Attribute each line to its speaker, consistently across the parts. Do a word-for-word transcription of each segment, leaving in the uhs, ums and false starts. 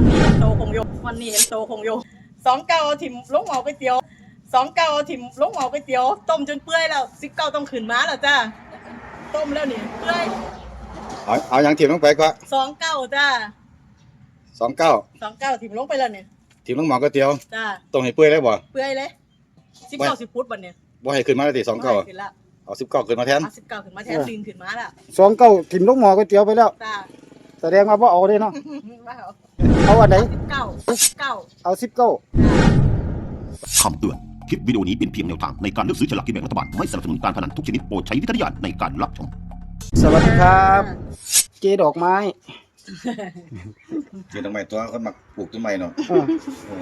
Speaker 1: วันนี้เห็นโตคงโยวันนี้เห็นโตคงโยสองเก้าถิ่มลงหม้อก๋วยเตี๋ยวสองเก้าถิ่มลงหม้อก๋วยเตี๋ยวต้มจนเปื่อยแล้วสิบเก้าต้องขึ้นมาแล้วจ้าต้มแล้วนี่เปื่อย
Speaker 2: เอาเอาอย่างถิ่มลงไปก็
Speaker 1: สองเก้าจ้า
Speaker 2: สองเก้า
Speaker 1: สองเก้าถิ่มลงไปแล้วเนี่ย
Speaker 2: ถิ่มลงหม้อก๋วยเตี๋ยว
Speaker 1: จ้า
Speaker 2: ต้องให้เปื่อยเลยบ่
Speaker 1: เปื่อยเลยสิบเก้าสิบฟุตวันเนี่ย
Speaker 2: บ่ให้ขึ้นมาเลยติสองเก้า
Speaker 1: ขึ้นละ
Speaker 2: เอาสิบเก้าขึ้นมาแทน
Speaker 1: เอาสิบเก้าขึ้นมาแทนดินขึ้นมาแล้ว
Speaker 3: สองเก้าถิ่มลงหม้อก๋วยเตี๋ยวไปแล้ว
Speaker 1: จ้า
Speaker 3: แสดงว่าบ่เอาเด้เนาะ
Speaker 1: ว้าว
Speaker 3: เอาอันไหน
Speaker 1: สิบเก้าสิบเก้า
Speaker 3: เอาสิบเก้า
Speaker 4: คำเตือน คลิปวิดีโอนี้เป็นเพียงแนวทางในการเลือกซื้อฉลากกินแบ่งรัฐบาล ไม่สนับสนุนการพนันทุกชนิดโปรดใช้วิจารณญาณในการรับชม
Speaker 3: สวัสดีครับ เจดอกไม้
Speaker 2: คือทำไมตัวคนมักปลูกต้นไม้เนาะ
Speaker 3: เออ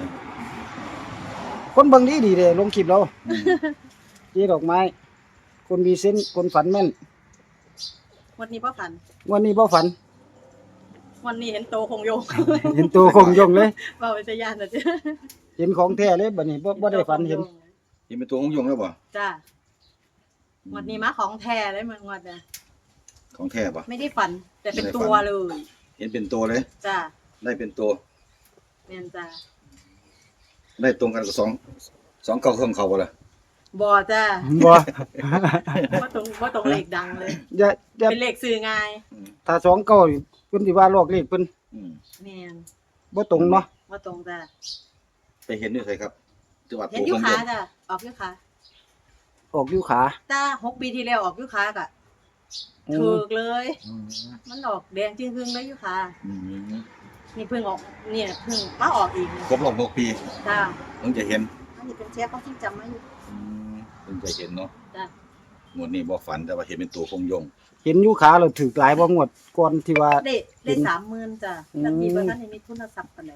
Speaker 3: คนเบิ่งดีดีเลยลงคลิปเราเจดอกไม้ คนมีเส้นส์คนฝันแม่น
Speaker 1: วันนี้พ่อฝัน
Speaker 3: วันนี้บ่ฝัน
Speaker 1: วันนี้เห็นโตคงโย
Speaker 3: เห็นตัวคงยงเลย
Speaker 1: ว่าวิทยานนะจ๊ะ
Speaker 3: เห็นของแท้เลยบัดนี้บ่บ่ได้ฝันเห็น
Speaker 2: ยังเป็นตัวของยงแล้วบ่
Speaker 1: จ้าวันนี้มาของแท้เลยมันวันเนี่ย
Speaker 2: ของแท้บ่
Speaker 1: ไม่ได้ฝัน แต่เป็นตัวเลย
Speaker 2: เห็นเป็นตัวเลย
Speaker 1: จ้า
Speaker 2: ได้เป็นตัว
Speaker 1: แม่นจ้า
Speaker 2: ได้ตรงกันกับสองสองเก้าเครื่องเขาบ่ล่ะ
Speaker 1: บอจ้า
Speaker 3: บ่
Speaker 1: ว่าตรงว่าตรงเลขดังเลย
Speaker 3: อย่าอย่า
Speaker 1: เป็นเลขสื่อง่าย
Speaker 3: ถ้าสองเก้านี่เพิ่นสิว่าลอกเลขเพิ่น
Speaker 2: อืม
Speaker 1: แม่น
Speaker 3: บ่ตรงเนาะ
Speaker 1: ว่าตรงจ้า
Speaker 2: ไปเห็นด้วยใช่ครับจังหวัด
Speaker 1: เห็นอยุค้าจ้าออกอยุค้า
Speaker 3: ออกอยู่ขา
Speaker 1: จ้าหกปีที่แล้วออกอยุค้ากะ
Speaker 3: อื
Speaker 1: ถู
Speaker 3: ม
Speaker 1: กเลย
Speaker 2: อืม
Speaker 1: มันออกแดงจึงครึ่งเลยอยุค้า
Speaker 2: อืม
Speaker 1: นี่เพิ่งออกเนี่ยเพิ่งมาออกอีกเนี่ย
Speaker 2: ครบรอบหกปี
Speaker 1: จ้า
Speaker 2: เพิ่งจะเห็น
Speaker 1: อันนี้เป็นเชฟเขาที่จำไม่อยู่
Speaker 2: อืมเพิ่งจะเห็นเนาะ
Speaker 1: จ้า
Speaker 2: หมวดนี้บ่ฝันแต่ว่าเห็นเป็นตัวของยง
Speaker 3: เห็นอยู่ขาแล้วถูกหลายบ่งวดก่อนที่ว่า
Speaker 1: ได้ได้สามหมื่นจ้า
Speaker 3: อืม
Speaker 1: แล้วมีว่าท่านมีทุนทรัพย์กันเลย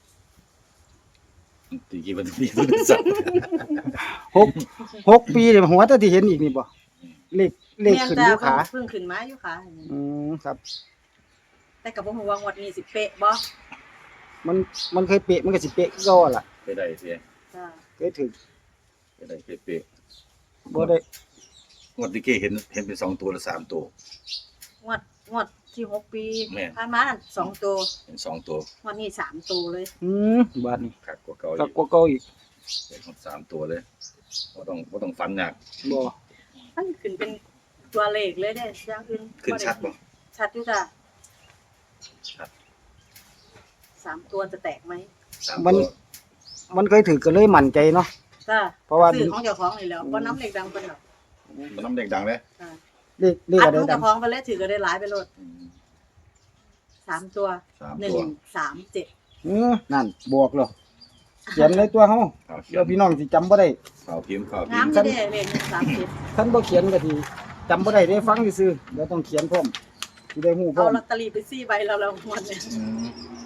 Speaker 2: ตีกี้มันมีตัวสัตว์
Speaker 3: หกหกปีเนี่ยหัวแต่ที่เห็นอีกนี่บ่เลขเลขขึ้นอยู่ขา
Speaker 1: เพิ่งขึ้นมาอยู่ขา
Speaker 3: อืมครับ
Speaker 1: แต่กับผมว่างวดนี้สิเป๊ะบ่
Speaker 3: มันมันเคยเปะมันก็สิเปะคือเก่าล่ะ
Speaker 2: ไปได้เสีย
Speaker 1: จ้า
Speaker 3: เคยถึง
Speaker 2: ไปได้เป๊ะ
Speaker 3: บ่ได้
Speaker 2: ๆงวดที่เก้เห็นเห็นเป็นสองตัวหรือสามตัว
Speaker 1: งวดงวดที่หกปี
Speaker 2: แม่
Speaker 1: ผ่านมานั่นสองตัว
Speaker 2: เห็นสองตัว
Speaker 1: งวดนี้สามตัวเลย
Speaker 3: อืมบาดนี้
Speaker 2: คักกว่าเก่า
Speaker 3: กั
Speaker 2: อี
Speaker 3: ก
Speaker 2: ก
Speaker 3: กว่าเก่าอีก
Speaker 2: เห็นหมดสามตัวเลยบ่ต้องบ่ต้องฟันหนัก
Speaker 3: บ่
Speaker 1: มันขึ้นเป็นตัวเลขเลยเด้อย่างอื่น
Speaker 2: ขึ้นชัดบ่
Speaker 1: ชัดอยู่จ้า
Speaker 2: ชัด
Speaker 1: สามตัวจะแตกไหม
Speaker 2: สาม
Speaker 3: มัน
Speaker 2: ตัว
Speaker 3: มันเคยถือก็เลยมั่นใจเนาะ
Speaker 1: จ้า
Speaker 3: เพราะว่า
Speaker 1: ซื้อของเจ้าของนี่แหล้วบ่น้ำเลขดังเพิ่นหรอก
Speaker 2: มันน้ำเด็กดังเลย
Speaker 1: จ้า
Speaker 3: เลขเลข
Speaker 1: อัด
Speaker 3: อะไร
Speaker 1: ของ
Speaker 3: ดั
Speaker 1: เจ้าง ของไปเลยถือก็ได้หลายไปโลด
Speaker 2: อืม
Speaker 1: สามตัว
Speaker 2: สาม
Speaker 1: หนึ่ง
Speaker 2: ตัว
Speaker 1: สามเจ็ด
Speaker 3: อือนั่นบวกเหรอเขียนในตัวเฮา
Speaker 2: ข่าวเขีย
Speaker 3: เดี๋ยวน พี่น้องสิจำบ่ได้
Speaker 2: ข่าวพิมพ์ข่าวพิ
Speaker 1: งาม
Speaker 2: มพ์
Speaker 1: อยู่เด้เลขหนึ่งสามเจ็ด
Speaker 3: ท่านบ่เขียนก็สิจำบ่ได้ได้ฟังซื่อๆเดี๋ยวต้องเขียนพร้อมสิได้ฮู้พร้
Speaker 1: เอา
Speaker 3: อม
Speaker 1: ลอตเตอรี่ไปสี่ใบแล้วเราหมดเนี่ย
Speaker 2: อืม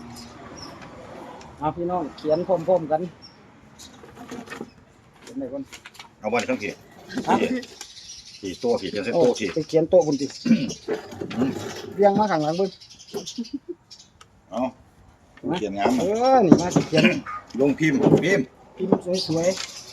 Speaker 3: เอาพี่น้องเขียนพร้อมๆกันเขียนได้ก่อน
Speaker 2: เอาวันข้างกี่
Speaker 3: ครับ
Speaker 2: กี่ตัวกี่เขียนเส้น
Speaker 3: โอ้
Speaker 2: โต๊ะกี่
Speaker 3: ไปเขียนโต๊ะพุ่นติเรียงมาข้างหลังเบิ่ง
Speaker 2: เอาเขียนงาม
Speaker 3: เออนี่มาสิเขียน
Speaker 2: ลงพิมพ์พิมพ์
Speaker 3: พิมพ์สวย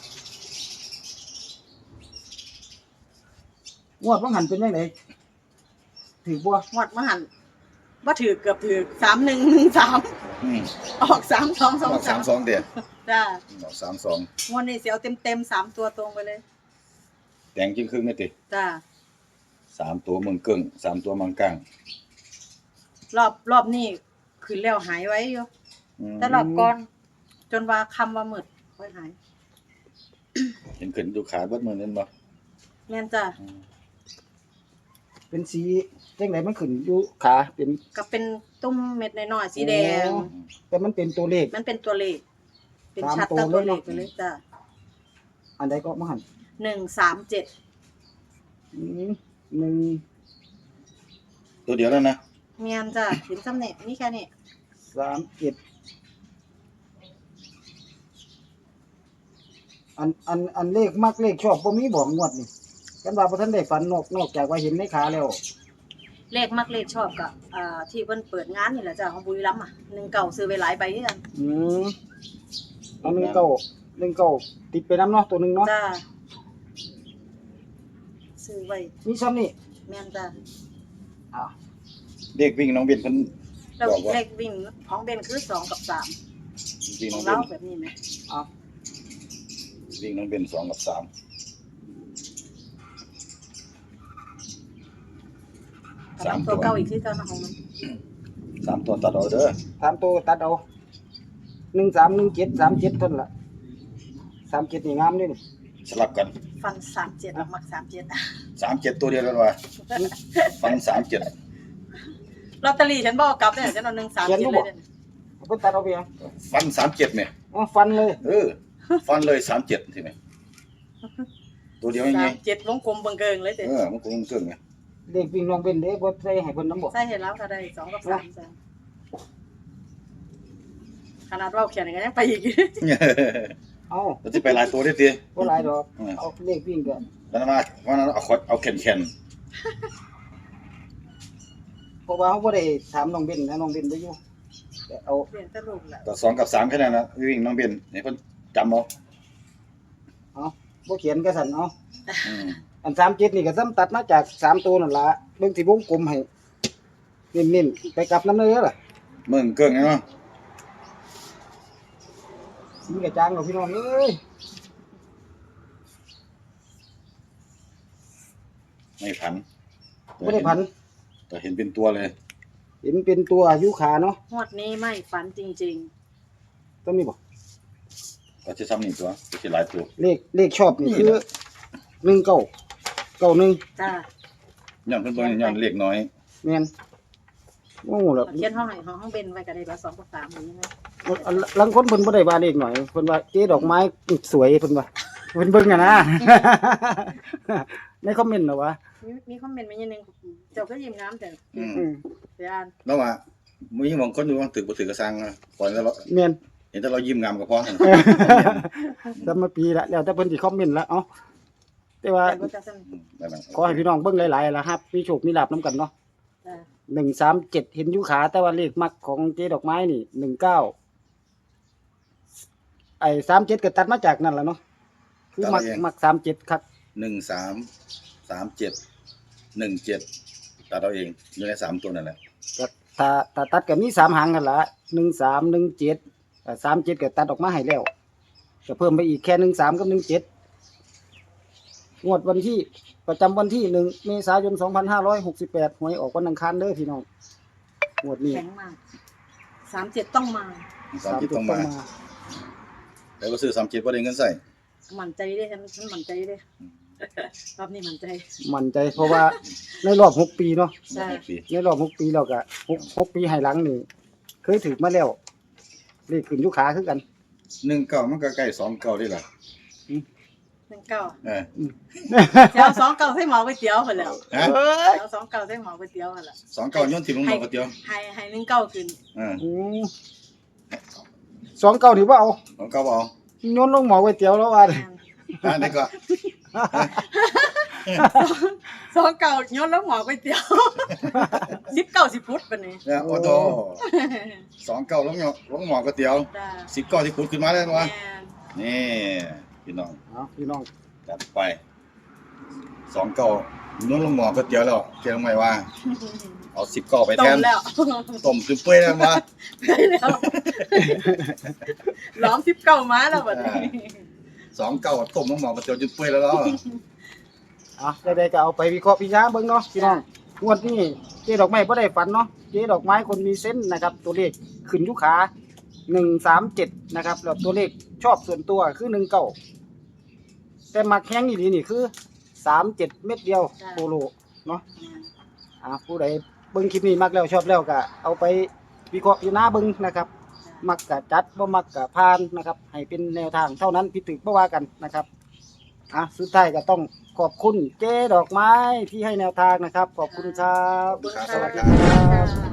Speaker 3: ๆงวดว่าหันเป็นยังไงถือบัว
Speaker 1: หมดมาหันว่าถือเกือบถือสามหนึ่งหนึ่งสาม
Speaker 2: อืม
Speaker 1: ออกสามสองสอง
Speaker 2: ออก
Speaker 1: สา
Speaker 2: สาม มสองเดียว
Speaker 1: จ้า
Speaker 2: ออกสามสอง
Speaker 1: งวดนี้เสียวเต็มเต็มๆสามตัวตรงไปเลย
Speaker 2: แต่งจริงครึ่งไม่ติด
Speaker 1: จ้า
Speaker 2: สามตัวเมืองกึ่งสามตัวเมืองกลาง
Speaker 1: รอบรอบนี้ขึ้นแล้วหายไว้อยู่
Speaker 2: อืม
Speaker 1: แต่รอบก่อน จนว่าคำว่าหมืดไว้หาย
Speaker 2: เห็นขึ้นดูขาเบิดมือนั่นบ่
Speaker 1: แม่นจ้า
Speaker 3: เป็นสีจังไดมันขึ้นอยู่ขาเป็น
Speaker 1: ก็เป็นตุ้มเม็ดน้อยๆสีแดง
Speaker 3: อ๋อ แต่มันเป็นตัวเลข
Speaker 1: มันเป็นตัวเลข เป็น
Speaker 3: สาม
Speaker 1: ชัด
Speaker 3: ตัว
Speaker 1: ตั้งตัว
Speaker 3: เล
Speaker 1: เลย ข
Speaker 3: เนาะ
Speaker 1: ไปเลยจ้า
Speaker 3: อันใดก็มาหัน
Speaker 1: หนึ่งสามเจ็ด
Speaker 3: อืมหนึ่ง
Speaker 2: ตัวเดียวแล้วนะ
Speaker 1: เมียนจ้าเห็นซ้ำเนี่ยนี่แค่นี้
Speaker 3: สามเจ็ดอันอันอันเลขมักเลขชอบบ่มีบอกงวดนี่กันว่าบ่ทันได้ฝันนอกนอกจากว่าเห็นในขาแล้ว
Speaker 1: เลขมักเลขชอบกับอ่าที่เพิ่นเปิดงานนี่แหละจ้าของบุรีรัมย์อ่ะหนึ่งเก่าซื้อไปหลายใบที่กัน
Speaker 3: อืมเอาหนึ่งเก้าหนึ่งเก้าติดไปน้ำเนาะตัวหนึ่งเนาะ
Speaker 1: จ้าซื้อไว้
Speaker 3: มีซ้ำนี่
Speaker 1: แม่นจ้า
Speaker 3: อ่า
Speaker 2: เด็กวิ่งน้องเบียนเพิ่น
Speaker 1: แล้ว
Speaker 2: บอกว่า
Speaker 1: เลขวิ่งของเบนคือสองกับสาม
Speaker 2: วิ่ง
Speaker 1: ข
Speaker 2: น้
Speaker 1: อ
Speaker 2: อง ง
Speaker 1: เรา
Speaker 2: เบน
Speaker 1: แบบนี้ไหม
Speaker 3: เอา
Speaker 2: วิ่งน้องเบนสองกับสาม
Speaker 1: สามตัวเก้าอีกที่เก้านะของมัน
Speaker 2: สามตัวตัดเอาเด้อ
Speaker 3: สามตัวตัดเอาหนึ่งสามหนึ่งเจ็ดสามเจ็ดเท่านั้นละสามเจ็ดนี่งามเด้นี่
Speaker 2: สลับกัน
Speaker 1: ฟันสามเจ็ดมักสามเจ็ด
Speaker 2: สามเจ็ดตัวเดียวกันว่ะฟันสามเจ็ด
Speaker 1: ลอตเตอรี่ฉันบอกกลับเนี่ยฉันเอาหนึ่งสามเจ็ดเลยเนี่ย
Speaker 3: เอาไปตัดเอาไปยัง
Speaker 2: ฟันสามเจ็ดเนี่ย
Speaker 3: เอาฟันเลย
Speaker 2: เออฟันเลยสามเจ็ดทีไหมตัวเดียวยังไง
Speaker 1: สามเจ็ดวงกลมเบังเกิงเลยเด็
Speaker 2: เออมันคงเกินไง
Speaker 3: เด็กวิ่งลองเป็นเด้บ่ใส่ให้เพิ่นน้ำบ่
Speaker 1: ใช่เห็นแล้วค่ะได้สองกับสามจ้ะขนาดว่าเขียนอย่างนี้ยังไปอีก
Speaker 3: เอา
Speaker 2: เราจะไปหลายตัวได้ที
Speaker 3: บ่หลายดอกเอาเลขวิ่งก็
Speaker 2: แล้วมาวันนั้นเอาขดเอาแขนแขน
Speaker 3: เพราะว่าเฮาบ่ได้ถามน้องเบนนะน้องเบนบ่อยู่แต่เอา
Speaker 1: เปลี่ยนตะลุกแหละ
Speaker 2: ต่อสองกับสามแค่นั้นนะวิ่งน้องเบนให้เพิ่นจำเอา
Speaker 3: เอาบ่เขียนก็สั่นเอา
Speaker 2: อืม
Speaker 3: อันสามเจ็ดนี่ก็ซ้ำตัดมาจากสามตัวนั่นล่ะเบิ่งที่วงกลมให้เน้นๆไปกลับนำเลยเด้อล่ะ
Speaker 2: เมืองเกิงไงเนาะ
Speaker 3: สีกระจางเอาพี่น้องเอ้ย
Speaker 2: ไม่พัน
Speaker 3: บ่ได้พัน
Speaker 2: แต่เห็นเป็นตัวเลย
Speaker 3: เห็นเป็นตัวอายุขาเนาะ
Speaker 1: งวดนี้ไม่ฝันจริง
Speaker 3: ต้องมีบ่
Speaker 2: ก็จะซ้ำนี่ตัวก็จะหลายตัว
Speaker 3: เลขเลขชอบนี่คือหนึ่งเก้าเก้าหนึ่ง
Speaker 1: ๆจ้า
Speaker 2: ย้อนเพิ่นบ่ย้อนเลขน้อย
Speaker 3: แม่นโอ้แล้ว
Speaker 1: เขียนห้องไหนห้องห้องเบนไว้ก็ได้ละสองกับสามอย่างนี้นะ
Speaker 3: ลังคนเพิ่นบ่ได้ว่าเลขหน่อยเพิ่นว่าเจ๊ดอกไม้สวยเพิ่นว่าเพิ่นเบิ่งอะนะ ในคอมเมนต์น่ะวะ
Speaker 1: มีมีคอมเมนต์มาอย่างหนึงเจ้าก็ยิ้มงามแต่
Speaker 2: อืม
Speaker 3: อืม
Speaker 1: เดี๋ยวอ่าน
Speaker 2: แล้วว่ามีบางคนอยู่ว่าตึกบ่ตึกกระสังนะก่อนแล้วเรา
Speaker 3: แม่น
Speaker 2: เห็นแต่เรายิ้มงามก็พอ
Speaker 3: สมาปีละแล้วแต่เพิ่นสิคอมเมนต์ละเอ้าแต่ว่า
Speaker 1: แต่ก็จะสน
Speaker 2: นั่นน่ะ
Speaker 3: ขอให้พี่น้องเบิ่งหลายๆล่ะครับมีโชคมีลาภนํกันเนาะ
Speaker 1: จ้า
Speaker 3: หนึ่งสามเจ็ดเห็นอยู่ขาแต่ว่าเลขมักของเจ๊ดอกไม้นี่หนึ่งเก้าไอ้สามเจ็ดก็ตัดมาจากนั่นล่ะเนาะคือมักมักสามเจ็ดครับ
Speaker 2: หนึ่งสามสามเจ็ดหนึ่งเจ็ดตัดเอาเองอยู่ในสามตัวนั่นแหละ
Speaker 3: ก็ถ้าถ้าตัดก็มีสามหางกันละหนึ่งสามหนึ่งเจ็ดสามเจ็ดก็ตัดออกมาให้แล้วจะเพิ่มไปอีกแค่หนึ่งสามกับหนึ่งเจ็ดงวดวันที่ประจำวันที่หนึ่งเมษายนสองพันห้าร้อยหกสิบแปดหวยออกวันอังคารเด้อพี่น้องงวดนี้
Speaker 1: แข็งมากสามเจ็ดต้องมา
Speaker 2: สามเจ็ดต้องมาแล้วก็ซื้อสามเจ็ดบ่ได้เงินใส่
Speaker 1: มั่นใจเด้ฉันฉันมั่นใจเด้รอบนี้มั่นใจ
Speaker 3: มั่นใจเพราะว่าในรอบหกปีเนาะ
Speaker 1: ใช่
Speaker 2: ปี
Speaker 3: ในรอบหกปีเราก็หกหกปีให้หลังนี่เคยถือมาแล้วเลขขึ้นอยุขาคือกัน
Speaker 2: หนึ่งเก้ามันก็ใกล้สองเก้าได้ล่ะ
Speaker 1: หนึ่งเก้า
Speaker 2: เออ
Speaker 1: เจ้าสองเก้าใส่หมอก๋วยเตี๋ยวคนแล้ว
Speaker 2: ฮะ
Speaker 3: เอ้ย
Speaker 1: เจ้าสองเก้าใส่หมอก๋วยเตี๋ยวคนละ
Speaker 2: สองเก้าย้อนถิ่มลงหมอกระเตียว
Speaker 1: ให้ให้หนึ่งเก้าขึ้น
Speaker 2: เออ
Speaker 3: อืมสองเก้าถือว่าเอา
Speaker 2: สองเก้าบ่เอา
Speaker 3: โยนลงหมอก๋วยเตี๋ยวแล้วว่า
Speaker 2: อ่านี่ก็
Speaker 1: สองเก้าย้อนแล้วหมอก๋วยเตี๋ยวสิบเก้าสิบฟุตปะนี่
Speaker 2: เนี่ยโอ้โหสองเก้าลงหมอลงหมอกระเตียว
Speaker 1: จ้า
Speaker 2: สิบเก้าที่ขุดขึ้นมาแล้ว
Speaker 1: แม่
Speaker 2: วะ
Speaker 1: น
Speaker 2: นี่พี่น้อง
Speaker 3: เอาพี่น้อง
Speaker 2: จัดไปสองเก้าย้อนลงหมอกระเตียวแล้วเชื่อไหมว่า เอาสิบเก้าไป
Speaker 1: ต้
Speaker 2: แท
Speaker 1: ม
Speaker 2: น
Speaker 1: แล้ว
Speaker 2: ต้มจนเปื่อยแล้ววะ
Speaker 1: ได้แล้วล้อมสิบเก้ามาแล้วบัดนี้
Speaker 2: สองเก้าต้มลงหมอกระเตียวจนเปื่อยแล้วเนาะ
Speaker 3: อ่ะได้ๆก็เอาไปวิเคราะห์พิจารณาเบิ่งเนาะพี่น้องงวดนี้เจ๊ดอกไม้บ่ได้ฝันเนาะเจ๊ดอกไม้คนมีเส้นส์นะครับ ตัวเลขขึ้นอยุขาหนึ่งสามเจ็ดนะครับแล้วตัวเลขชอบส่วนตัวคือหนึ่งเก้าแต่มักแห้งอีหลีนี่คือสามเจ็ดเม็ดเดียวโปโลเนาะอ่ะผู้ใดเบิ่งคลิปนี้มักแล้วชอบแล้วก็เอาไปวิเคราะห์พิจารณาเบิ่งนะครับ มักกะจัดบ่มักกะพานนะครับ ให้เป็นแนวทางเท่านั้นผิดถูกบ่ว่ากันนะครับอ่ะสุดท้ายก็ต้องขอบคุณเจ๊ดอกไม้ที่ให้แนวทางนะครับ ขอบคุณครับ
Speaker 1: ขอบคุณ
Speaker 2: ครับ
Speaker 1: ค่ะ
Speaker 2: สวัสดีครับ
Speaker 1: ค่ะ